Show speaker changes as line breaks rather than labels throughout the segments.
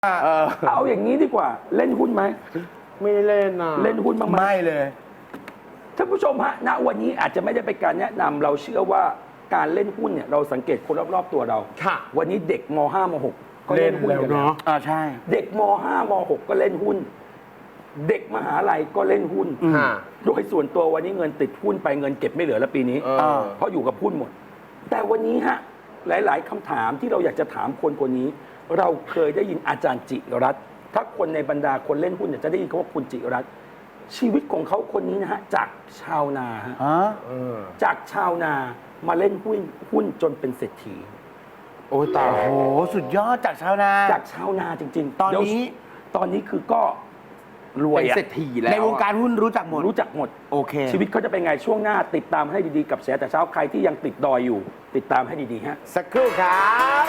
เอาอย่างนี้ดีกว่าเล่นหุ้นไหม
ไม่ได้เล่นนะ
เล่นหุ้นบ้างไหม
ไม่เลย
ท่านผู้ชมฮะณวันนี้อาจจะไม่ได้เป็นการแนะนำเราเชื่อว่าการเล่นหุ้นเนี่ยเราสังเกตคนรอบๆตัวเรา
ค่ะ
วันนี้เด็กม.5 ม.6 ก็เล่นหุ้นกันแล้ว
ใช่
เด็กม.5 ม.6 ก็เล่นหุ้นเด็กมหาลัยก็เล่นหุ้นโดยส่วนตัววันนี้เงินติดหุ้นไปเงินเก็บไม่เหลือแล้วปีนี้เพราะอยู่กับหุ้นหมดแต่วันนี้ฮะหลายๆคำถามที่เราอยากจะถามคนคนนี้เราเคยได้ยินอาจารย์จิรัตน์ถ้าคนในบรรดาคนเล่นหุ้นเนี่ยจะได้ยินคำว่าคุณจิรัตน์ชีวิตของเขาคนนี้นะฮะจากชาวนาฮะจากชาวนามาเล่นหุ้นจนเป็นเศรษฐี
โอ้ตายโหสุดยอดจากชาวนา
จากชาวนาจริงๆ
ตอนนี้
คือก็รวย
เป็นเศรษฐีแล้ว
ในวงการหุ้นรู้จักหมดโอเค
ชีวิตเขาจะเป็นไงช่วงหน้าติดตามให้ดีๆกับแฉแต่เช้าใครที่ยังติดดอยอยู่ติดตามให้ดีๆฮะ
สักครู่ครับ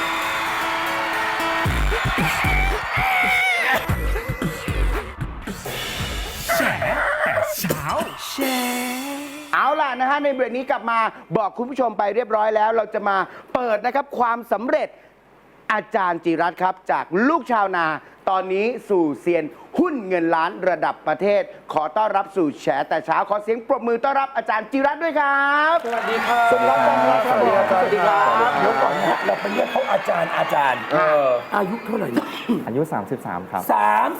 แฉแต่เช้าแฉเอาล่ะนะฮะในเบรกนี้กลับมาบอกคุณผู้ชมไปเรียบร้อยแล้วเราจะมาเปิดนะครับความสำเร็จอาจารย์จิรัตน์ครับจากลูกชาวนาตอนนี้สู่เซียนหุ้นเงินล้านระดับประเทศขอต้อนรับสู่แฉแต่เช้าขอเสียงปรบมือต้อนรับอาจารย์จิรัตน์ด้วยครับ
สวัสดีครับ
สวัสดีครับสวัสดีครับสวัสดีครับ
เดี๋ยวก่อนนะฮะเราไปเรียกเขาอาจารย์อายุเท่าไหร่นะ
อายุ 33 ครับ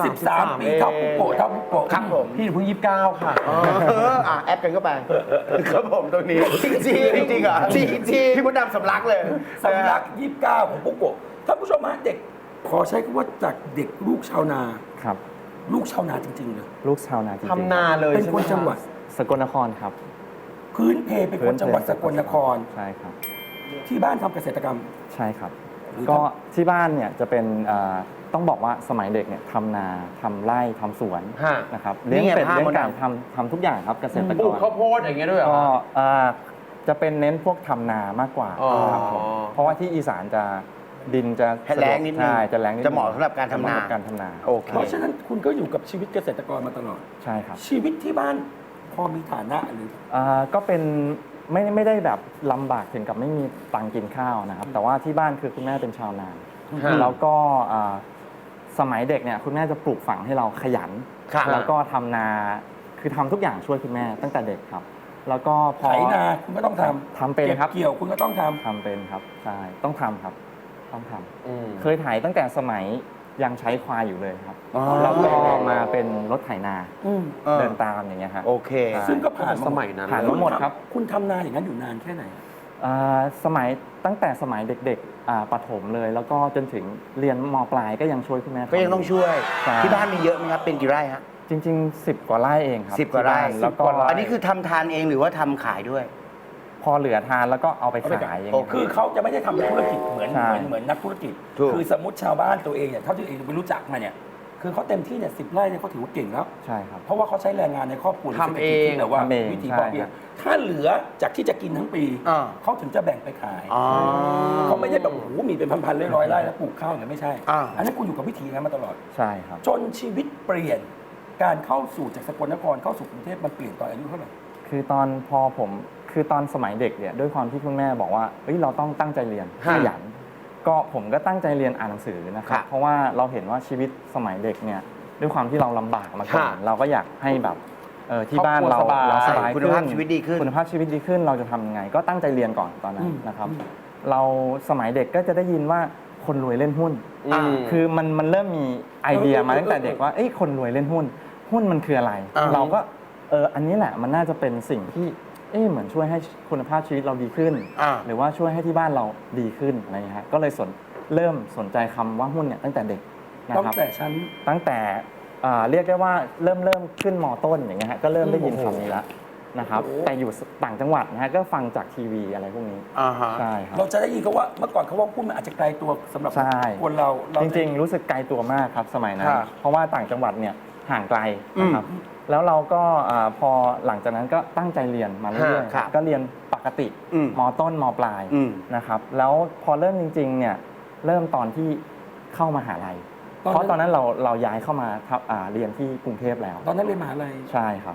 33 ปีเท่าปุ๊กโก
ครับผมพี่เพิ่ง29ค่ะ
แอปกันเข้าไปครับผมตรงนี้จริงเหรอจริงพี่มดดำสำลักเลย
สำลัก29ของปุ๊กโกท่านผู้ชมฮะเด็กขอใช้คำว่าจากเด็กลูกชาวนา
ครับ
ลูกชาวนาจริงๆเลย
ลูกชาวนาจริงๆ
ทำนาเลย
เป็นคนจังหวัด
สกลนครครับ
พื้นเพเป็นคนจังหวัดสกลนคร
ใช่ครับ
ที่บ้านทำเกษตรกรรม
ใช่ครับก็ที่บ้านเนี่ยจะเป็นต้องบอกว่าสมัยเด็กเนี่ยทำนาทำไร่ทำสวนนะครับเลี้ยงเป็ดเลี้ยงไก่ทำทุกอย่างครับเกษตรกร
ปลูกข้าวโพดอย่างเงี้ยด้วย
ก็จะเป็นเน้นพวกทำนามากกว่าครับผมเพราะว่าที่อีสานจะดินจะ
แรงนิดนึง
จะแรงนิด
จะเหมาะสำหรับการทำนา
โอเค
เพราะฉะนั้นคุณก็อยู่กับชีวิตเกษตรกรมาตลอด
ใช่ครับ
ชีวิตที่บ้านพอมีฐานะหรือ
ก็เป็นไม่ได้แบบลำบากถึงกับไม่มีตังกินข้าวนะครับแต่ว่าที่บ้านคือคุณแม่เป็นชาวนาแล้วก็สมัยเด็กเนี่ยคุณแม่จะปลูกฝังให้เราขยันแล้วก็ทำนาคือทำทุกอย่างช่วยคุณแม่ตั้งแต่เด็กครับแล้วก็พอ
ไถนาคุณก็ต้อง
ทำเป็นครับ
เกี่ยวคุณก็ต้องท
ำเป็นครับใช่ต้องทำครับต้องทำเคยไถตั้งแต่สมัยยังใช้ควายอยู่เลยครับแล้วก็มาเป็นรถไถนาเดินตามอย่างเงี้ยครับ
โอเค
ซึ่งก็ผ่าน
สมัยนั้น
ผ่านหมดครับ
คุณทำนาอย่างนั้นอยู่นานแค่ไหน
สมัยตั้งแต่สมัยเด็กๆประถมเลยแล้วก็จนถึงเรียนม.ปลายก็ยังช่วยคุณแม่
ก็ยังต้องช่วยที่บ้านมีเยอะไหมครับเป็นกี่ไร่ฮะ
จริงๆ10 กว่าไร่เองครับ
10 กว่าไร่
แล้วก็
อันนี้คือทำทานเองหรือว่าทำขายด้วย
พอเหลือทานแล้วก็เอาไปขายอย่างเงี้ย
คือเขาจะไม่ได้ทำธุรกิจเหมือนนักธุรกิจคือสมมติชาวบ้านตัวเองเนี่ยเท่าที่เองไปรู้จักมาเนี่ยคือเขาเต็มที่เนี่ย10 ไร่เนี่ยเขาถือว่าเก่งแล้ว
ใช่ครับ
เพราะว่าเขาใช้แรงงานในครอบครัว
ทำเอง
แต่ว่าวิธีพอเพียงถ้าเหลือจากที่จะกินทั้งปีเขาถึงจะแบ่งไปขายเขาไม่ได้แบบโอ้โหมีเป็นพันๆร้อยไร่แล้วปลูกข้าวเนี่ยไม่ใช่อันนั้นคุณอยู่กับวิธีนั้นมาตลอด
ใช่ครับ
จนชีวิตเปลี่ยนการเข้าสู่จากสกลนครเข้าสู่กรุงเทพมันเปลี่ยนตอนอายุเท่าไหร่
คือตอนสมัยเด็กเนี่ยด้วยความที่คุณแม่บอกว่าเราต้องตั้งใจเรียนขยันก็ผมก็ตั้งใจเรียนอ่านหนังสือนะครับเพราะว่าเราเห็นว่าชีวิตสมัยเด็กเนี่ยด้วยความที่เราลำบากมาก่อนเราก็อยากให้แบบที่บ้านเราสบาย
คุณภาพชีวิตดีขึ้น
เราจะทำยังไงก็ตั้งใจเรียนก่อนตอนนั้นนะครับเราสมัยเด็กก็จะได้ยินว่าคนรวยเล่นหุ้นคือมันเริ่มมีไอเดียมาตั้งแต่เด็กว่าคนรวยเล่นหุ้นมันคืออะไรเราก็อันนี้แหละมันน่าจะเป็นสิ่งที่เหมือนช่วยให้คุณภาพชีวิตเราดีขึ้นหรือว่าช่วยให้ที่บ้านเราดีขึ้นอะไรอย่างเงี้ยก็เลยเริ่มสนใจคำว่าหุ้นเนี่ยตั้งแต่เด็กนะครับตั้งแต่เรียกได้ว่าเริ่มขึ้นม.ต้นอย่างเงี้ยก็เริ่มได้ยินคำนี้แล้วนะครับแต่อยู่ต่างจังหวัดนะฮะก็ฟังจากทีวีอะไรพวกนี้ใช่ครับ
เราจะได้ยินเขาว่าเมื่อก่อนเขาว่าหุ้นมันอาจจะไกลตัวสำหรับคนเรา
จริงๆรู้สึกไกลตัวมากครับสมัยนั้นเพราะว่าต่างจังหวัดเนี่ยห่างไกลนะครับแล้วเราก็พอหลังจากนั้นก็ตั้งใจเรียนมาเรื่อยๆก็เรียนปกติม.ต้นม.ปลายนะครับแล้วพอเริ่มจริงๆเนี่ยเริ่มตอนที่เข้ามหาลัยเพราะตอนนั้นเราย้ายเข้ามาเรียนที่กรุงเทพแล้ว
ตอนนั้นเรียนมหาลัย
ใช่ครับ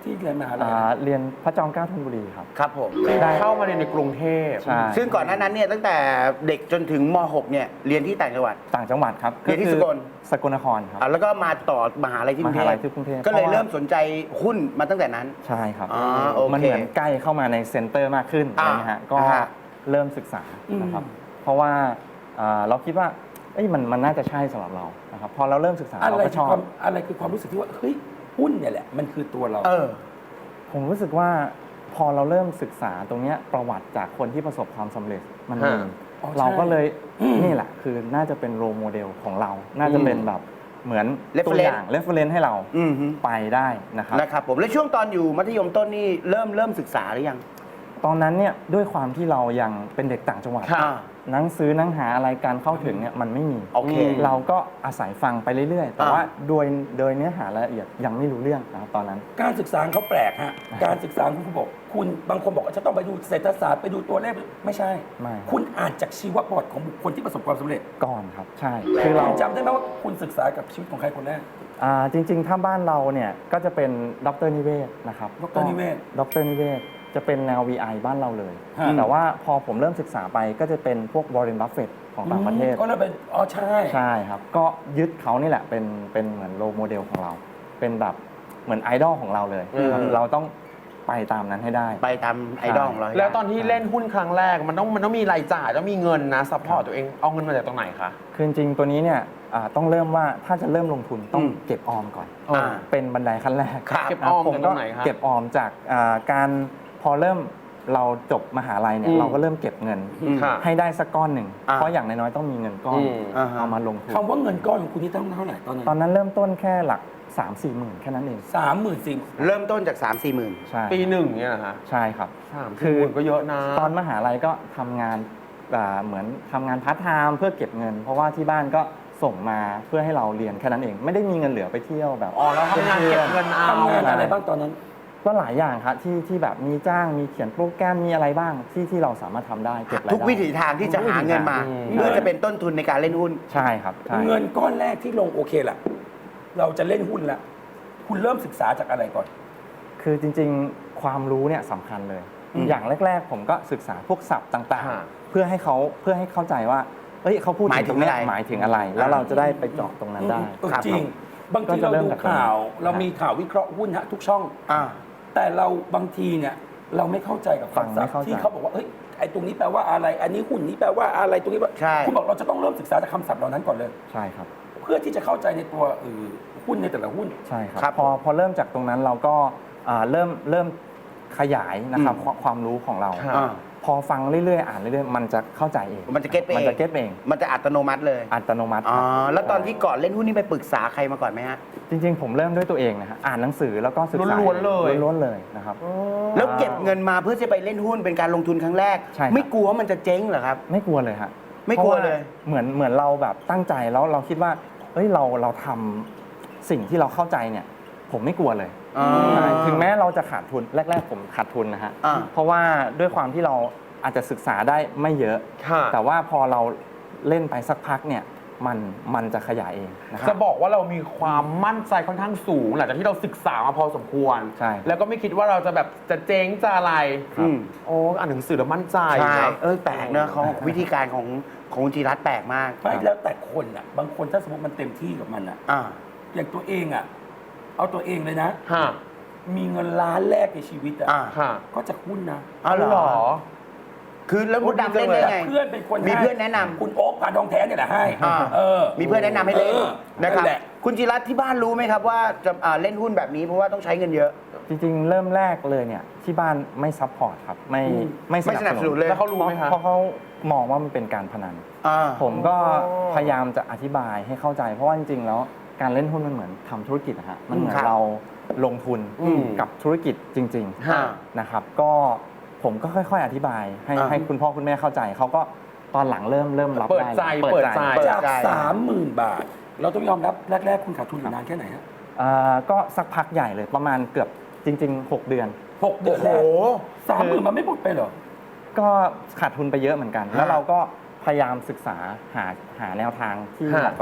ที่เรียนมหาลัย
เรียนพระจอมเกล้าธนบุรีครับ
ครับผม
ได้
เข้ามาเรียนในกรุงเทพ
ใช่
ซึ่งก่อนหน้านั้นเนี่ยตั้งแต่เด็กจนถึงม .6 เนี่ยเรียนที่ต่างจังหวัด
ต่างจังหวัดครับ
เรียนที่
คือ
สกล
สกลนครครับ
แล้วก็มาต่อมหาลัยที่ก
ม
รุงเท
หา
พ
ลัยที่กรุงเทพ
ก็เลย
พาะว่า
เริ่มสนใจหุ้นมาตั้งแต่นั้น
ใช่ครับ
อ๋อโอเค
มันเหมือนใกล้เข้ามาในเซ็นเตอร์มากขึ้นอะไรเงี้ยฮะก็
อ่าฮะ
เริ่มศึกษานะครับ เพราะว่าเราคิดว่าเอ้ยมันน่าจะใช่สำหรับเรานะครับพอเราเริ่มศึกษา
อะไร
เราก็
คื
ช
อ
อบ
ความอะไรคือความรู้สึกที่ว่าเฮ้ยหุ้นเนี่ยแหละมันคือตัวเรา
ผมรู้สึกว่าพอเราเริ่มศึกษาตรงเนี้ยประวัติจากคนที่ประสบความสำเร็จมันมี
อ๋อใช่
เราก็เลยนี่แหละคือน่าจะเป็นโรโมเดลของเรา น่าจะเป็นแบบเหมือน
Reference
ตัวอย่างเรฟเฟรนซ์ให้เรา
อือฮึ
ไปได้นะครับ
นะครับผมแล้วช่วงตอนอยู่มัธยมต้นนี่เริ่มศึกษาหรือยัง
ตอนนั้นเนี่ยด้วยความที่เรายังเป็นเด็กต่างจังหวัด
ค่ะ
หนังสือหนังหาอะไรการเข้าถึงเนี่ยมันไม่มี
โอเค
เราก็อาศัยฟังไปเรื่อยๆ แต่ว่าโดยเนื้อหารายละเอียดยังไม่รู้เรื่องนะครับตอนนั้น
การศึกษาของเขาแปลกฮะ การศึกษาของคุณบอกคุณบางคนบอกว่าจะต้องไปดูเศรษฐศาสตร์ไปดูตัวเลขไม่ใช่
ไม่
คุณอ่านจากชีวประวัติของบุคคลที่ประสบความสำเร็จ
ก่อนครับใช่คือเรา
คุณจำได้ไหมว่าคุณศึกษากับชีวิตของใครคนแรก
จริงๆ ถ้าบ้านเราเนี่ยก็จะเป็นดรนิเวศนะครับ
ดรนิเวศ
ดรนิเวศจะเป็นแนว VI บ้านเราเลย
ฮะ
แต่ว่าพอผมเริ่มศึกษาไปก็จะเป็นพวกวอร์เรนบัฟเฟตของต่างประเทศ
ก็เลยเป็นอ๋อใช่
ใช่ครับ ก็ยึดเขานี่แหละเป็นเหมือนโรโมเดลของเรา เป็นแบบเหมือนไอดอลของเราเลยครับเราต้องไปตามนั้นให้ได้
ไปตามไอดอลของเราให้ได้
แล้วตอนที่เล่นหุ้นครั้งแรกมันต้องมีรายจ่ายต้องมีเงินนะซัพพอร์ตตัวเองเอาเงินมาจากตรงไหนคะ
คือจริงๆตัวนี้เนี่ยต้องเริ่มว่าถ้าจะเริ่มลงทุนต้องเก็บออมก่อน เป็นบันไดขั้นแรก
ครับ
เก็บออม
ผม
จากต
ก็
รงไหนคะ
เก็บออมจากการพอเริ่มเราจบมหาลัยเนี่ยเราก็เริ่มเก็บเงิน
ค่ะ
ให้ได้สักก้อนหนึ่ง
อ่า
เพราะอย่างน้อยๆต้องมีเงินก้อน
อ่าฮะ
เอามาลงทุน
คำว่าเงินก้อนของคุณนี่ต้องเท่าไหร่ตอนนั้น
ตอนนั้นเริ่มต้นแค่หลัก 3-4 หมื่นแค่นั้นเอง
34,000
เริ่มต้นจาก 3-4 หมื่น
ใช่
ปีหนึ่งเนี่ยนะคะ
ใช่ครับ
คือ ก็เยอะนะ
ตอนมหาลัยก็ทำงานเหมือนทำงานพาร์ทไทม์เพื่อเก็บเงิน เพราะว่าที่บ้านก็ส่งมาเพื่อให้เราเรียนแค่นั้นเอง ไม่ได้มีเงินเหลือไปเที่ยวแบบ
อ๋อแล้วทำงานเก็บเงินเอา
ทำงานอะไรบ้างตอนนั้น
ก็หลายอย่างครับที่แบบมีจ้างมีเขียนโปรแกรมมีอะไรบ้างที่เราสามารถทำได้เก็บรายได้
ทุกวิถีทางที่จะหาเงินมา เพื่อจะเป็นต้นทุนในการเล่นหุ้น
ใช่ครับใช่
เงินก้อนแรกที่ลงโอเคละเราจะเล่นหุ้นละคุณเริ่มศึกษาจากอะไรก่อน
คือจริงๆความรู้เนี่ยสำคัญเลย อย่างแรก ๆ ผมก็ศึกษาพวกศัพท์ต่าง
ฮะ
ๆ เพื่อให้เข้าใจว่าเอ้ยเขาพูด
หมายถึง
ตรเนี้
อะไร
หมายถึงอะไร แล้วเราจะได้ไปเจาะตรงนั้นได้
ครับ
จริง บางที
ก็
เรา
จะเริ่ม
ดู
จาก
ข่าว
ตรงนั้น
เรามีข่าววิเคราะห์หุ้นฮะทุกช่อง
อ่า
แต่เราบางทีเนี่ยเราไม่เข้าใจกับ
ฟัง
คำ
ไม่
ศัพท์
เข้าใจ
ที่เขาบอกว่าเฮ้ยไอ้ตรงนี้แปลว่าอะไร อันนี้หุ้นนี้แปลว่าอะไรตรงนี้ว่า
ใช่
คุณบอกเราจะต้องเริ่มศึกษาจากคำศัพท์เหล่านั้นก่อนเลย
ใช่ครับ
เพื่อที่จะเข้าใจในตัวหุ้นในแต่ละหุ้น
ใช่ครับ
ครับ
พอเริ่มจากตรงนั้นเราก็เริ่มขยายนะครับความรู้ของเรา
อ่า
พอฟังเรื่อยๆอ่านเรื่อยๆมันจะเข้าใจเอง
มันจะเก็ตไปเอง
มันจะเก็ตเอง
มันจะอัตโนมัติเลย
อัตโนมัติ
อ๋อ
ครับ
แล้วตอนที่ก่อนเล่นหุ้นนี่ไปปรึกษาใครมาก่อนไหมฮะ
จริงๆ ผมเริ่มด้วยตัวเองนะฮะอ่านหนังสือแล้วก็ศึกษา
ล้วนๆเลย
ล้วนๆเลยนะครับ
แล้วเก็บเงินมาเพื่อจะไปเล่นหุ้นเป็นการลงทุนครั้งแรก
ใช่ครับ
ไม่กลัวว่ามันจะเจ๊งเหรอครับ
ไม่กลัวเลยฮะ
ไม่กลัวเลย
พราะาเหมือนเราแบบตั้งใจแล้วเราคิดว่าเฮ้ยเราทำสิ่งที่เราเข้าใจเนี่ย ผมไม่กลัวเลย
อ่า
ใช่ถึงแม้เราจะขาดทุนแรก ๆ ผมขาดทุนนะฮะ
อ่า
เพราะว่าด้วยความที่เราอาจจะศึกษาได้ไม่เยอะ
ค่ะ
แต่ว่าพอเราเล่นไปสักพักเนี่ยมันจะขยายเองนะค
จะ
รับ
บอกว่าเรามีความมั่นใจค่อนข้างสูงหลังจากที่เราศึกษามาพอสมควร
ใช่
แล้วก็ไม่คิดว่าเราจะแบบจะเจ๊งจะอะไร
อืม
โอ้อ่านหนังสือแล้วมั่นใจ
ใช่
นะ
แปลกเนอะของวิธีการของคุณจิรัตน์แปลกมาก
ไม่แล้วแต่คนอ่ะ บางคนถ้าสมมติมันเต็มที่กับมันอ่ะ
อ่า
อย่างตัวเองอ่ะ เอาตัวเองเลยนะ
ฮะ
มีเงินล้านแรกในชีวิตอ่ะ
อ่า
ค่ะ
ก็จากหุ้นนะ
อ๋อเหรอ คือแล้วมดดำเล่นได้ไง
เพื่อนเป็นคน
มี
ให้
เพื่อนแนะนำ
คุณโอ๊คพานทองแท้เนี่ยแหละให้
อ่า มีเพื่อนแนะนำให้เล่น
เออ
นะครับ
นั่นแหละ
คุณจิรัตน์ที่บ้านรู้ไหมครับว่าจะเล่นหุ้นแบบนี้เพราะว่าต้องใช้เงินเยอะ
จริงๆ เริ่มแรกเลยเนี่ยที่บ้านไม่ซัพพอร์ตครับไม่ส
ไม่สนั
นั
บบ สนุนเลย
แล้วเขารู้ไหมคะ
เพราะเขามองว่ามันเป็นการพนัน
อ่า
ผมก็พยายามจะอธิบายให้เข้าใจ เพราะว่าจริงๆ แล้วการเล่นหุ้นมันเหมือนทำธุรกิจนะฮะมันเหมือน
ครับ
เราลงทุน
อืม
กับธุรกิจจริง
ฮะ
ๆนะครับก็ผมก็ค่อยๆ อธิบายให้
อ่า
ให้คุณพ่อคุณแม่เข้าใจเขาก็ตอนหลังเริ่มรับ
เปิด
ได้
ใจ
เปิ
เปิ
ด
ด
ใจ
ใจ
จาก 30,000 บาท เราต้องยอมรับแรก ๆ คุณขาดทุนอยู่นานแค่ไหนฮะ
ก็สักพักใหญ่เลยประมาณเกือบจริง ๆ 6 เดือน
6 เดือนแรก30,000มันไม่หมดไปเหรอ
ก็ขาดทุนไปเยอะเหมือนกัน แล้วเราก็พยายามศึกษาหาแนวทางที่เหมาะกับเรา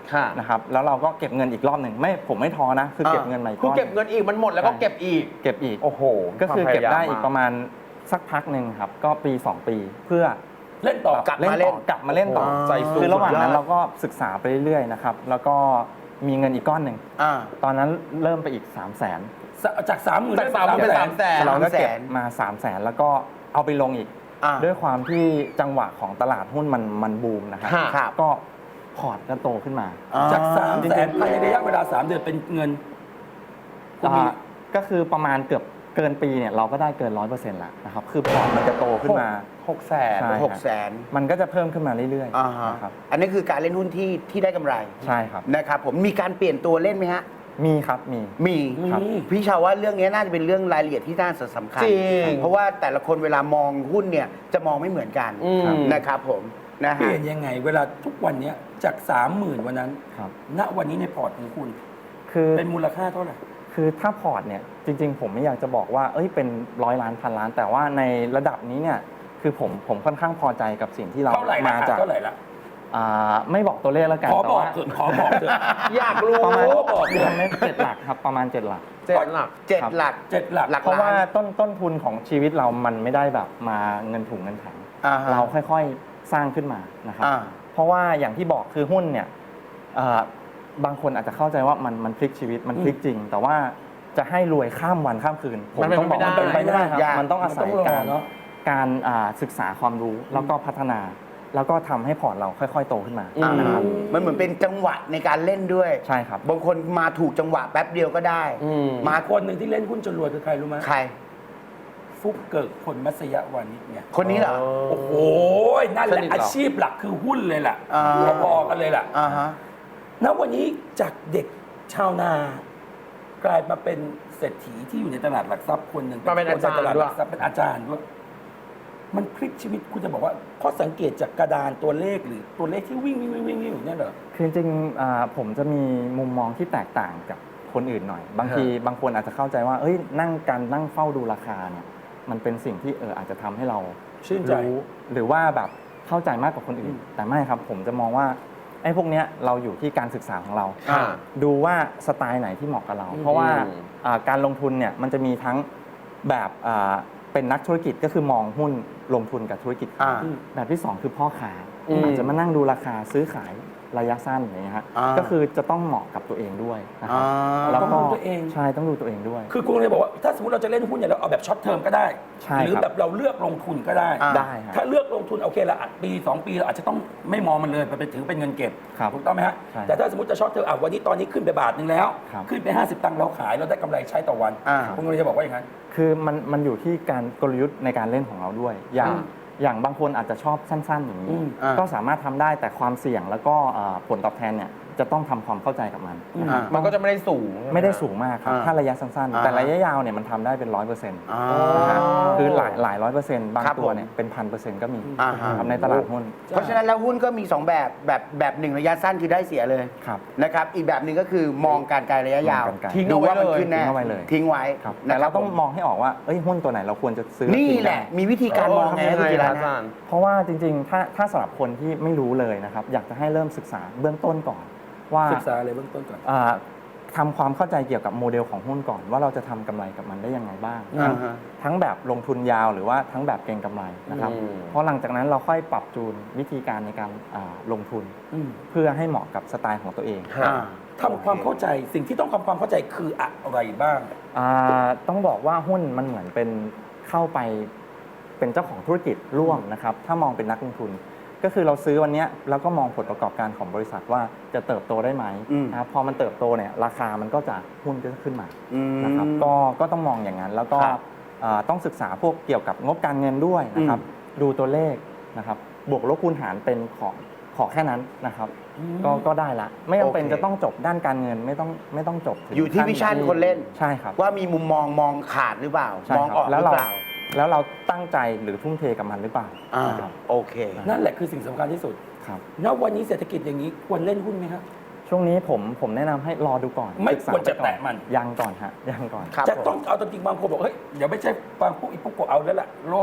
ค่ะ
นะครับแล้วเราก็เก็บเงินอีกรอบหนึ่งผมไม่ท้อนะคือเก็บเงินใหม่
คือเก็บเงินอีกมันหมดแล้วก็เก็บอีก
เก็บอีก
โอ้โห
ก็คือเก็บได้
ควมพยายาม
อีกประมาณสักพักหนึ่งครับก็ปี 2 ปีเพื่อ
เล่นต่อ
กลับมาเล่น
กลับมาเล่นต่อ
โอ้โหใจสู้
คือระหว่างนั้น
สุดยอด
เราก็ศึกษาไปเรื่อยๆนะครับแล้วก็มีเงินอีกก้อนหนึ่ง
อ่า
ตอนนั้นเริ่มไปอีก 3 0 0 0 0น
จาก30,000
จาก30,000เป็น300,000
เราก็เก็บ
300,000
มา 3 0 0 0 0นแล้วก็เอาไปลงอีก
อ่า
ด้วยความที่จังหวะของตลาดหุ้นมันบูมนะครับ
ค่ะ
ครับ
ก็พอร์ตก็โตขึ้นมา
จาก300,000ภายในระยะเวลา3 เดือนเป็นเงินคุณมี
ก็คือประมาณเกือบเกินปีเนี่ยเราก็ได้เกิน 100%แล้วนะครับคือพอร์ตมันจะโตขึ้นมา
600,000
ใช่
600,000
มันก็จะเพิ่มขึ้นมาเรื่อย
อ่าฮะ
ๆนะครับ
อันนี้คือการเล่นหุ้นที่ได้กำไร
ใช่ครับ
นะครับผมมีการเปลี่ยนตัวเล่นไหมฮะ
มีครับมี
มี
ครับ
พี่ชาวว่าเรื่องนี้น่าจะเป็นเรื่องรายละเอียดที่น่าสำคัญ
จริง
เพราะว่าแต่ละคนเวลามองหุ้นเนี่ยจะมองไม่เหมือนกัน
อืม
นะครับผมนะ
เป
ฮะ
ลี่ยนยังไง เวลาทุกวันเนี้ยจาก 30,000วันนั้น
ครับ
ณวันนี้ในพอร์ตของคุณ
คือ
เป็นมูลค่าเท่าไหร่
คือถ้าพอร์ตเนี่ยจริงๆ ผมไม่อยากจะบอกว่าเป็น100 ล้านพันล้าน แต่ว่าในระดับนี้เนี่ยคือผมค่อนข้างพอใจกับสิ่งที่เรา
เท่าไหร่ละ
มาจาก
เท่าไหร่ละ
ไม่บอกตัวเลขแล้วกัน
ขอ
แต่
บอก
ว่า
เถอะขอบอกเถอะ
อยากรู้
ประมาณ
บอกเลย
ไม่7 หลักครับประมาณ 7 หลัก
7 หลัก
7 หลัก
7 หลัก
หลัก
เพราะว่า
ล้าน
ต้นทุนของชีวิตเรามันไม่ได้แบบมาเงินถุงเงินถัง
อ่าฮะ
เราค่อยๆสร้างขึ้นมานะครับ
อ่า
เพราะว่าอย่างที่บอกคือหุ้นเนี่ยบางคนอาจจะเข้าใจว่ามันพลิกชีวิตมันพลิกจริง แต่ว่าจะให้รวยข้ามวันข้ามคืนผม
มันเป็น
ต้องบอก
ไม่ได้
มันเป็นไปไม่ได้ครับ
ยาก
มันต้องอาศัย
มันต้องรอ
การ
เนอะ
การศึกษาความรู้แล้วก็พัฒนา แล้วก็ทำให้พอร์ตเราค่อยๆโตขึ้นมา
อืม
นะครับ
มันเหมือนเป็นจังหวะในการเล่นด้วย
ใช่ครับ
บางคนมาถูกจังหวะแป๊บเดียวก็ได้
อืม
มา
คนหนึ่งที่เล่นหุ้นจนรวยคือใครรู้ไหม
ใคร
ฟุกเกิกผลมัสยวานิชเนี่ย
คนนี้เหรอ
โอ้โห นั่นแห
ส
ละ
นิทเหรอ
อาชีพหลักคือหุ้นเลยล่ะ
อ่า
พอๆกันเลยล่ะ
อ่าฮะ
ณวันนี้จากเด็กชาวนากลายมาเป็นเศรษฐีที่อยู่ในตลาดหลักทรัพย์คนหนึ่ง
มาเป็นอาจารย์
คใตลาด
ด้
ห
วย
ลักทรัพย์เป็นอาจารย์ด้วย มันพลิกชีวิตคุณจะบอกว่าข้อสังเกตจากกระดานตัวเลขหรือตัวเลขที่วิ่งอยู่เนี่ยเหรอ
คือจริงๆผมจะมีมุมมองที่แตกต่างกับคนอื่นหน่อย บางทีบางคนอาจจะเข้าใจว่านั่งเฝ้าดูราคาเนี่ยมันเป็นสิ่งที่อาจจะทำให้เรา
ชื่นใจ
รู้หรือว่าแบบเข้าใจมากกว่าคนอื่น แต่ไม่ครับผมจะมองว่าไอ้พวกเนี้ยเราอยู่ที่การศึกษาของเรา
อ่า
ดูว่าสไตล์ไหนที่เหมาะกับเรา เพราะว่าการลงทุนเนี่ยมันจะมีทั้งแบบเป็นนักธุรกิจก็คือมองหุ้นลงทุนกับธุรกิจ
อ่า
แบบที่ 2 คือพ่อค้า
อืม
อาจจะมานั่งดูราคาซื้อขายระยะสั้นอย่างเงี้ยฮะ
อ่า
ก็คือจะต้องเหมาะกับตัวเองด้วยนะครับ
อ่า
แล้ว
ต้อง
ก็
ดูตัวเอง
ใช่ต้องดูตัวเองด้วย
คือคุณเลยบอกว่าถ้าสมมติเราจะเล่นหุ้นเนี่ยเราเอาแบบช็อตเทอมก็ได้
ใช่
หรือ
ครับ
แบบเราเลือกลงทุนก็ได้
อ่า
ได้ครับ
ถ้าเลือกลงทุนโอเคละปี 2 ปีเราอาจจะต้องไม่มองมันเลยไปถือเป็นเงินเก็บ
ครับ
ถูกต้องไหมฮะ
ใช่
แต่ถ้าสมมติจะช็อตเทอมวันนี้ตอนนี้ขึ้นไปบาทหนึงแล้ว
ครับ
ขึ้นไป 50 ตังค์เราขายเราได้กำไรใช้ต่อวัน
อ่า
คุณเลยจะบอกว่าอย่างนั้น
คือมันอยู่ที่การกลยุทธ์ในการเล่นของเราด้วย อย่างบางคนอาจจะชอบสั้น ๆ อย่าง
อื
นี้
ม
ก็สามารถทำได้แต่ความเสี่ยงแล้วก็ผลตอบแทนเนี่ยจะต้องทำความเข้าใจกับมัน
อ่า
มันก็จะไม่ได้สูง
ไม่ได้สูงมากครับ
อ่า
ถ้าระยะสั้น
อ่า
ๆ แต่ระยะยาวเนี่ยมันทำได้เป็น 100%นะ
อ่า
ฮะคือหลาย100%บาง
ครับ
ตัว
ผม
เนี่ยเป็น 1,000%ก็มี
อ่าฮะ
ครับในตลาดหุ้น
เพราะฉะนั้นแล้วหุ้นก็มี 2 แบบหนึ่งระยะสั้นคือได้เสียเลย
ครับ
นะครับ อีกแบบหนึ่งก็คือมองการไกลระยะยาว
มองการไกล
ทิ้ง
ดู
เอาไว้
ว่ามัน
เลย
ขึ้นแน่
ทิ้งเอาไว้เลย
ทิ้งไว้
ครับ
นะ
แต่
ครั
เรา
บ
ต้อง
ผม
มองให้ออกว่าหุ้นตัวไหนเราควรจะซื้อ
นี่
ทิ้ง
แหละ
ได้
มีวิธีการมองไง
ทำยังไง
คุณจิ
ล่ะ
รัต
อา
น์
จา
นะ
รย์
เพราะว่าจริงๆ ถ้าสำหรับคนที่ไม่รู้เลยนะครับ อยากจะให้เริ่มศึกษาเบื้องต้นก่อน ว่า
ศึกษาอะไรเบื้องต้นก่อน
ทำความเข้าใจเกี่ยวกับโมเดลของหุ้นก่อน ว่าเราจะทำกำไรกับมันได้ยังไงบ้าง
อ่าฮะ
ทั้งแบบลงทุนยาวหรือว่าทั้งแบบเก็งกำไรนะครับ
อืม
เพราะหลังจากนั้นเราค่อยปรับจูนวิธีการในการลงทุน เพื่อให้เหมาะกับสไตล์ของตัวเอง
ฮะ
อ่า
ทำความเข้าใจสิ่งที่ต้องทำความเข้าใจคืออะไรบ้าง
ต้องบอกว่าหุ้นมันเหมือนเป็นเข้าไปเป็นเจ้าของธุรกิจร่วมนะครับ ถ้ามองเป็นนักลงทุน ก็คือเราซื้อวันเนี้ยแล้วก็มองผลประกอบการของบริษัทว่าจะเติบโตได้ไหม
อืม
นะครับพอมันเติบโตเนี่ยราคามันก็จะหุ้นก็จะขึ้นมา
อืม
นะครับก็ต้องมองอย่างนั้น แล้วก็
ครับ
ต้องศึกษาพวกเกี่ยวกับงบการเงินด้วยนะครับ ดูตัวเลขนะครับบวกลบคูณหารเป็นขอแค่นั้นนะครับ ก็ได้ละไม่จำเป็น
โอเค
จะต้องจบด้านการเงินไม่ต้องจบถึง
อยู่ที่
ขั้
วิชั่นคนเล่น
ใช่ครับ
ว่ามีมุมมองขาดหรือเปล่า
ใช่
มอง
ครับ
ออกห
แล้
รื
ว
อ
เรา
เปล่า
แล้วเราตั้งใจหรือทุ่มเทกับมันหรือเปล่า
อ่า
นะครับ
โอเค
นั่นแหละคือสิ่งสำคัญที่สุด
ครับ
ณวันนี้เศรษฐกิจอย่างนี้ควรเล่นหุ้นไหมครับ
ช่วงนี้ผมแนะนำให้รอดูก่อน
ไม่
ศึกษา
ควรจะ
ไปก่อ
แตะมัน
ยังก่อนฮะยังก่อน
ครับ
จะต้องเอาจริงๆบางคนบอกเฮ้ยเดี๋ยวไม่ใช่บางพวกอีกพวกเอาแล้วล่ะโลก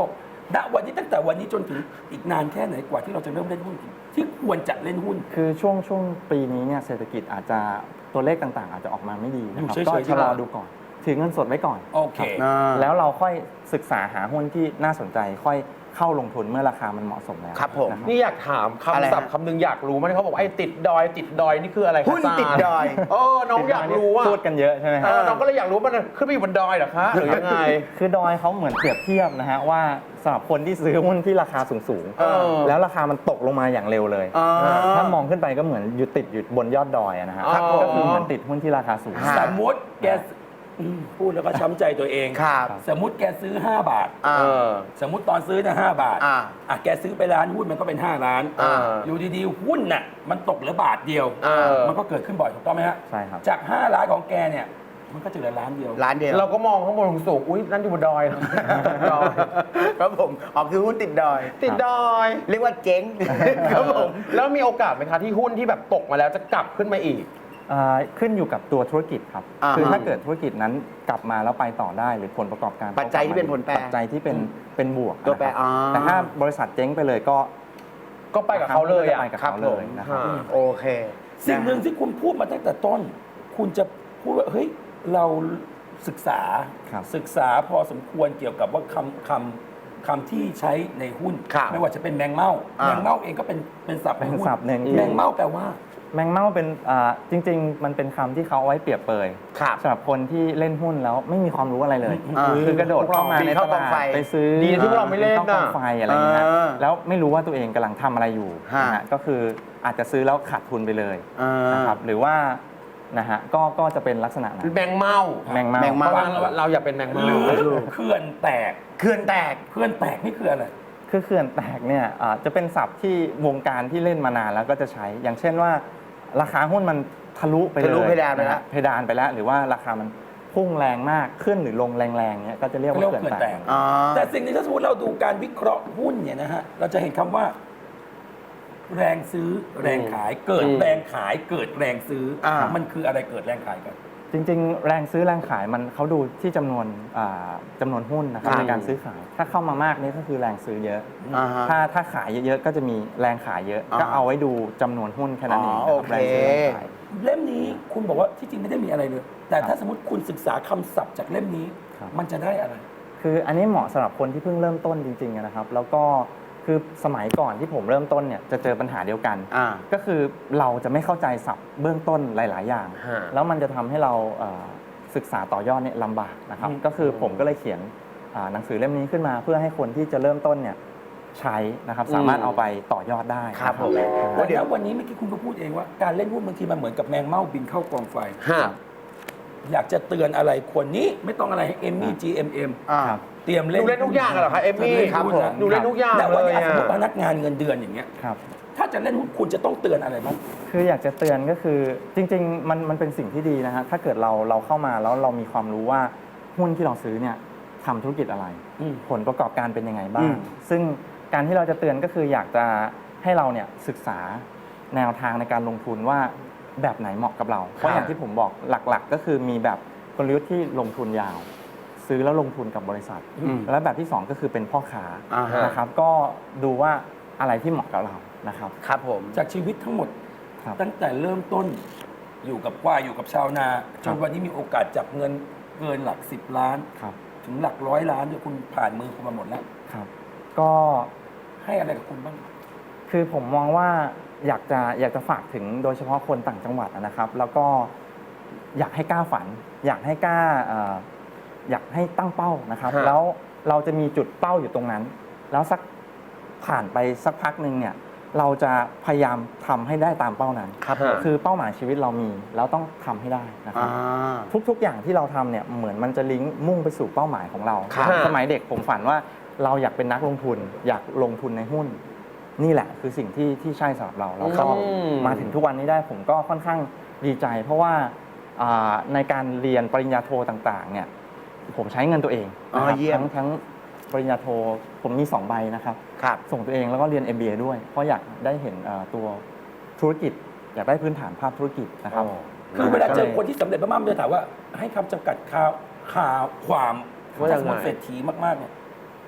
ณวันนี้ตั้งแต่วันนี้จนถึงอีกนานแค่ไหนกว่าที่เราจะเริ่มเล่นหุ้นที่ควรจะเล่นหุ้น
คือช่วงปีนี้เนี่ยเศรษฐกิจอาจจะตัวเลขต่างๆ อาจจะออกมาไม่ดีนะครับ
อยู่
ก็
เฉยๆ
ชะลอดูก่อนถือเงินสดไว้ก่อน
โอเค
แล้วเราค่อยศึกษาหาหุ้นที่น่าสนใจค่อยเข้าลงทุนเมื่อราคามันเหมาะสมแล้ว
ครับผม
นะ
นี่อยากถาม
อะไร
คำศัพท์
ฮะ
คำหนึ่งอยากรู้มันเขาบอกว่าไอ้ติดดอยนี่คืออะไรคะ
หุ้นติดดอย
น้องอยากรู้ว่า
พูดกันเยอะใช่ไหมครับ
น้องก็เลยอยากรู้มันขึ้นไปอยู่บนดอยเหรอคะหรือยังไง
คือดอยเขาเหมือนเปรียบเทียบนะฮะว่าสำหรับคนที่ซื้อหุ้นที่ราคาสูง
เออ
แล้วราคามันตกลงมาอย่างเร็วเลย
อ่า
ถ้ามองขึ้นไปก็เหมือนอยู่ติดอยู่บนยอดดอยอะนะฮะ
ครับผม
ก็คือเหมือนติดหุ้นที่ราคาสูง
ฮะ
สมมติแกพูดแล้วก็ช้ำใจตัวเอง
ครับ
สมมติแกซื้อ 5 บาท
อ่า
สมมติตอนซื้อเนี่ย5 บาท แกซื้อไปล้านหุ้นมันก็เป็น 5 ล้าน
อ่า
อยู่ดีๆหุ้นน่ะมันตกเหลือบาทเดียว มันก็เกิดขึ้นบ่อยถูกต้องไหมฮะ
ใช่ครับ
จาก 5 ล้านของแกเนี่ยมันก็จะเหลือล้านเดียว
ร้านเดียว
เราก็มองข้างบนสูงอุ้ยนั่นอยู่บนดอยเหรอดอย
ครับผมอ๋อคือหุ้นติดดอย
ติดดอย
เรียกว่าเจ๊ง ครับผม
แล้วมีโอกาสไหมคะที่หุ้นที่แบบตกมาแล้วจะกลับขึ้นมาอีก
ขึ้นอยู่กับตัวธุรกิจครับ
อ่าฮะ
คือถ้าเกิดธุรกิจนั้นกลับมาแล้วไปต่อได้หรือผลประกอบการ
ปัจจัยที่เป็นผลแปร
ปัจจัยที่เป็นบวก
ตัวแปร
นะครับ
อ่า
แต่ถ้าบริษัทเจ๊งไปเลยก็
ก็ไปกับเขาเลยอ่ะ
ไปกับเขาเลยนะครับ
โอเค
สิ่งหนึ่งที่คุณพูดมาตั้งแต่ต้น คุณจะพูดว่าเฮ้ยเราศึกษา
ครับ
ศึกษาพอสมควรเกี่ยวกับว่าคำที่ใช้ในหุ้น
ครับ
ไม่ว่าจะเป็นแมงเม่า
อ่า
แมงเม่าเองก็เป็นศัพท์ใน
เป็น
หุ้น
ศัพท์หนึ่ง
แมงเม่าแปลว่า
แมงเม่าเป็นจริง ๆ มันเป็นคำที่เขาเอาไว้เปรียบเปย
ครับ
สำหรับคนที่เล่นหุ้นแล้วไม่มีความรู้อะไรเลย
อ่า
คือกระโดดเข้ามาใน
เข้า
ต
กอง
ลาด
ไฟ
ไปซื้อ
ดีนะที่พวกเราไม่เล่น
ข้ากอง
น่ะ
ไฟอะไรอย่างเงี้ย
อ่า
แล้วไม่รู้ว่าตัวเองกำลังทำอะไรอยู่
ฮะ
นะฮะก็คืออาจจะซื้อแล้วขาดทุนไปเลย
อ่าน
นะครับหรือว่านะฮะก็จะเป็นลักษณะนั้น
แมงเม่า
แมงเม่า
แมง
เพ
เม่า
ราะว่าเราอยากเป็นแมง
ห
เม่า
รือเขื่อนแตก
เขื่อนแตก
เขื่อนแตกนี่คืออะไร
คือเขื่อนแตกเนี่ยจะเป็นศัพท์ที่วงการที่เล่นมานานแล้วก็จะใช้ อย่างเช่นว่า ราคาหุ้นมันทะลุไปเลย
ทะลุเพดานไปแล้ว
ะฮะเพดานไปแล้ว หรือว่าราคามันพุ่งแรงมากขึ้นหรือลงแรงๆเนี่ยก็จะเรียกว่า
เรียก
เขื่
ว่า
อน
เขื่อน
แต
แต
ก
ก
อ่า
แต่สิ่งนี้ถ้าสมมติเราดูการวิเคราะห์หุ้นเนี่ยนะฮะเราจะเห็นคำว่า แรงซื้อแรงขายเกิดแรงขายเกิดแรงซื้ออา มันคืออะไรเกิดแรงขายกัน
จริงๆ แรงซื้อแรงขายมันเขาดูที่จำนวนหุ้นนะครับ
ครับ
ในการซื้อขาย ถ้าเข้ามามากนี่ก็คือแรงซื้อเยอะ
อ่าฮะ
ถ้าขายเยอะๆก็จะมีแรงขายเยอะ
อ่า
ก็เอาไว้ดูจำนวนหุ้นแค่นั้นเอง
อ๋อ
นะครับ
โอเค
แรงซื้อแรงขาย
เล่มนี้คุณบอกว่าที่จริงไม่ได้มีอะไรเลย แต่ถ้าสมมติคุณศึกษาคำศัพท์จากเล่มนี้
ครับ
มันจะได้อะไร
คืออันนี้เหมาะสำหรับคนที่เพิ่งเริ่มต้นจริงๆนะครับ แล้วก็คือสมัยก่อนที่ผมเริ่มต้นเนี่ยจะเจอปัญหาเดียวกัน
อ่า
ก็คือเราจะไม่เข้าใจศัพท์เบื้องต้นหลาย ๆ อย่าง
ฮะ
แล้วมันจะทำให้เราศึกษาต่อยอดเนี่ยลำบากนะครับ ก็คือผมก็เลยเขียนหนังสือเล่มนี้ขึ้นมา เพื่อให้คนที่จะเริ่มต้นเนี่ยใช้นะครับสามารถเอาไปต่อยอดได้
ครับ
นะ
ผม
แต่เดี๋ยววันนี้เมื่อกี้คุณก็พูดเองว่าการเล่นหุ้นบางทีมันเหมือนกับแมงเม่าบินเข้ากองไฟ
ฮะ
อยากจะเตือนอะไรคนนี้ไม่ต้องอะไรให้เอมมี่ GMM
อ่า
เตรียม
ห
เล่น
นูเล่นทุกอย่างเหรอคะเอมมี่
ครับผม
หนูเล่นทุกอย่าง
แต่วัน
เลย
นี้สมมติพ
อะ
นักงานเงินเดือนอย่างเงี้ย
ครับ
ถ้าจะเล่นหุ้นคุณจะต้องเตือนอะไรบ้าง
คืออยากจะเตือนก็คือจริงๆมันเป็นสิ่งที่ดีนะฮะถ้าเกิดเราเข้ามาแล้วเรามีความรู้ว่าหุ้นที่เราซื้อเนี่ยทำธุรกิจอะไร
อืม
ผลประกอบการเป็นยังไงบ้า
อื
ง
ม
ซึ่งการที่เราจะเตือนก็คืออยากจะให้เราเนี่ยศึกษาแนวทางในการลงทุนว่าแบบไหนเหมาะกับเรา เพราะอย่างที่ผมบอกหลักๆ ก็คือมีแบบกลยุทธ์ที่ลงทุนยาว ซื้อแล้วลงทุนกับบริษัท
อืม
และแบบที่สองก็คือเป็นพ่อค้า
อ่าฮะ
นะครับก็ดูว่าอะไรที่เหมาะกับเรานะครับ
ครับผม
จากชีวิตทั้งหมด
ครับ
ตั้งแต่เริ่มต้นอยู่กับควายอยู่กับชาวนาจ
ครั
น
บ
วันนี้มีโอกาสจับเงินเกินหลัก 10 ล้าน
ครับ
ถึงหลัก100 ล้านเนี่ยคุณผ่านมือคุณมาหมดแล้ว
ครับ ก็
ให้อะไรกับคุณบ้าง
คือผมมองว่าอยากจะฝากถึงโดยเฉพาะคนต่างจังหวัดนะครับ แล้วก็อยากให้กล้าฝัน อยากให้กล้าอยากให้ตั้งเป้านะครับ
ฮะ
แล้วเราจะมีจุดเป้าอยู่ตรงนั้น แล้วสักผ่านไปสักพักหนึ่งเนี่ยเราจะพยายามทำให้ได้ตามเป้านั้น
ครับผม
คือเป้าหมายชีวิตเรามีแล้วต้องทำให้ได้นะค
อ่
รับ
า
ทุกๆ อย่างที่เราทำเนี่ยเหมือนมันจะลิงก์มุ่งไปสู่เป้าหมายของเรา
ครับ
สมัยเด็กผมฝันว่าเราอยากเป็นนักลงทุน อยากลงทุนในหุ้น นี่แหละคือสิ่งที่ใช่สำหรับเราแล้วก็
อืม
มาถึงทุกวันนี้ได้ผมก็ค่อนข้างดีใจ เพราะว่าในการเรียนปริญญาโทต่างๆเนี่ยผมใช้เงินตัวเองนะครับ
เยี่ยม
ทั้งปริญญาโทผมมี 2 ใบนะครับ
ครับ
ส่งตัวเองแล้วก็เรียน MBA ด้วย เพราะอยากได้เห็นตัวธุรกิจ อยากได้พื้นฐานภาพธุรกิจนะครับ
คือเวลาเจอคนที่สำเร็จมากๆมันจะถามว่าให้คำจำกัดข่าวความ
ว่ายังไง
สมมติเศรษฐีมากๆเนี่ย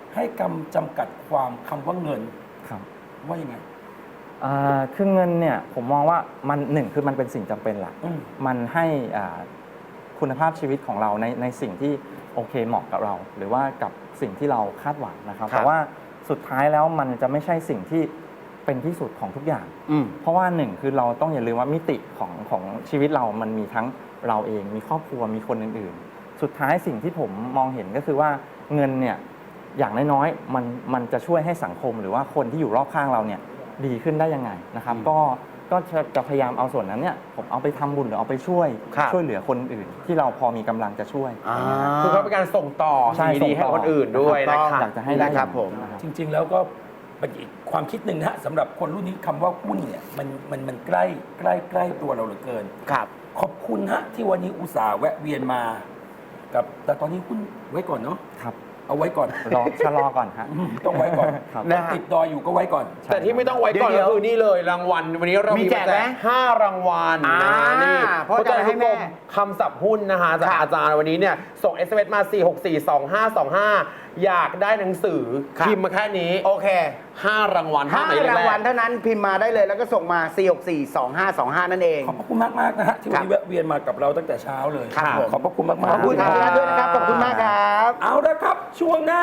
ให้กำจำกัดความคำว่าเงิน
ครับ
ว่ายังไง
คือเงินเนี่ยผมมองว่ามันหนึ่งคือมันเป็นสิ่งจำเป็นแหละ
อืม
มันให้คุณภาพชีวิตของเราในสิ่งที่โอเคเหมาะกับเรา หรือว่ากับสิ่งที่เราคาดหวังนะครับ
ครับ
แต่ว่าสุดท้ายแล้วมันจะไม่ใช่สิ่งที่เป็นที่สุดของทุกอย่าง
อืม
เพราะว่าหนึ่งคือเราต้องอย่าลืมว่ามิติของชีวิตเรามันมีทั้งเราเองมีครอบครัวมีคนอื่นๆ สุดท้ายสิ่งที่ผมมองเห็นก็คือว่าเงินเนี่ยอย่างน้อยๆมันจะช่วยให้สังคมหรือว่าคนที่อยู่รอบข้างเราเนี่ยดีขึ้นได้ยังไงนะครับ ก็จะพยายามเอาส่วนนั้นเนี่ยผมเอาไปทำบุญหรือเอาไปช่วย
ครับ
ช่วยเหลือคนอื่น ที่เราพอมีกำลังจะช่วย
อ่า
คือเขาเป็นการส่งต่อ
ใช่
สิ่งดีๆให้คนอื่นด้วยนะ
ถูกต้อง
คะ
อยากจะให้ได้
นะครับผม
นะครับ
จริง ๆ แล้วก็เป็นอีกความคิดหนึ่งนะฮะสำหรับคนรุ่นนี้คำว่าหุ้นเนี่ยมันใกล้ตัวเราเหลือเกิน
ครับ
ขอบคุณฮะที่วันนี้อุตส่าห์แวะเวียนมากับแต่ตอนนี้หุ้นไว้ก่อนเนาะ
ครับ
เอาไว้ก่อน
ชะลอก่อนฮะ
ต้องไว้ก่อน
ครับ
ยังติดดอยอยู่ก็ไว้ก่อน
แต่ที่ไม่ต้องไว้ก่อน
เดี๋
ก็
ยว
คือนี่เลยรางวัลวันนี้เรา
มี
มี
แจกไหม
5 รางวัลนะฮะนี่
เพราะจะให้แม่
คำศัพท์หุ้นนะคะจากอาจารย์วันนี้เนี่ยส่ง SMS มา 4642525 อยากได้หนังสือ
ครับ
พิมพ์มาแค่นี้
โอเค
5 รางวัล
ห้า
หมายเลข
ราง
แร
วัล
ก
เท่านั้นพิมพ์มาได้เลย แล้วก็ส่งมา 4642525 นั่นเอง
ขอบพระคุณมากๆนะฮะที่วันนี้แวะเวียนมากับเราตั้งแต่เช้าเลย
ครับผม
ขอบพระคุณมากๆ
ขอบคุณครับด้วยนะครับ ขอบคุณมากครับ
เอาละครับช่วงหน้า